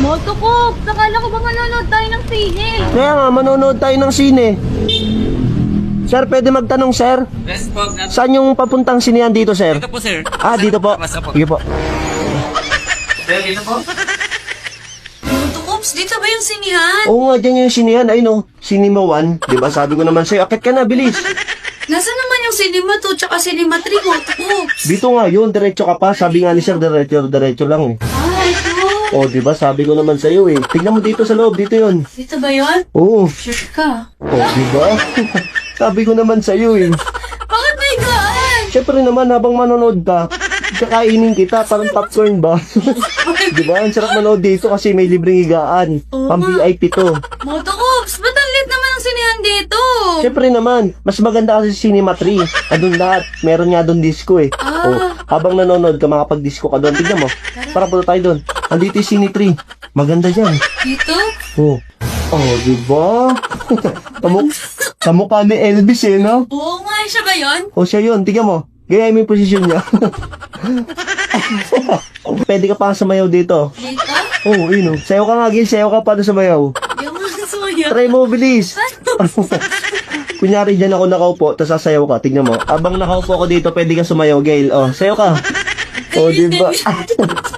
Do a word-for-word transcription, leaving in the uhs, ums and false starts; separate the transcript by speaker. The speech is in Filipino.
Speaker 1: Motokop, nakala ko ba manonood tayo ng sine?
Speaker 2: Kaya nga, manonood tayo ng sine. Sir, pwede magtanong, sir?
Speaker 3: Yes po.
Speaker 2: Saan yung papuntang sinehan dito, sir?
Speaker 3: Dito po, sir.
Speaker 2: Ah, dito po.
Speaker 3: Basta po.
Speaker 2: Sige po.
Speaker 3: Sir, dito po.
Speaker 1: Motokops, dito ba yung sinihan?
Speaker 2: Oo nga, dyan yung sinehan. Ayun o, Cinema one. Diba, sabi ko naman sa'yo, akit ka na, bilis.
Speaker 1: Nasaan naman yung cinema two tsaka cinema three, Motokops?
Speaker 2: Dito nga yun, diretso ka pa. Sabi nga ni sir, diretso, diretso lang eh.
Speaker 1: Ah, ito.
Speaker 2: O, diba, sabi ko naman sa'yo eh. Tignan mo dito sa loob, dito yun.
Speaker 1: Dito ba yun?
Speaker 2: Oo.
Speaker 1: Sure ka?
Speaker 2: O, diba? Sabi ko naman sa'yo eh.
Speaker 1: Bakit may gaan?
Speaker 2: Siyempre naman, habang manonood ka, kakainin kita, parang popcorn ba? Diba? Ang sarap manood dito kasi may libreng higaan. Pang V I P to.
Speaker 1: Motokops, ba't ang lit naman ang sinihan dito?
Speaker 2: Siyempre naman, mas maganda kasi sa Cinema three. Andun lahat. Meron nga doon disco eh.
Speaker 1: Ah.
Speaker 2: Oh, habang nanonood ka, makapag-disco ka doon. Tignan mo. Para punta tayo doon. Andito yung Cine three. Maganda dyan.
Speaker 1: Dito?
Speaker 2: Oh. Oh, diba? Kamuk kamukha ni Elvis eh, no?
Speaker 1: Oo nga, siya ba yun?
Speaker 2: O siya yun. Tignan mo. Gaya mo yung posisyon niya. Pwede ka pa sumayaw dito.
Speaker 1: Dito?
Speaker 2: Oh, yun oh. Sayaw ka nga, Gil. Sayaw ka pa sumayaw.
Speaker 1: Yung mga suya.
Speaker 2: Try mo, bilis. Kunyari dyan ako nakaupo, tapos sasayaw ka. Tignan mo. Abang nakaupo ako dito, pwede ka sumayaw, Gail. Oh, sayaw ka. Oh, diba?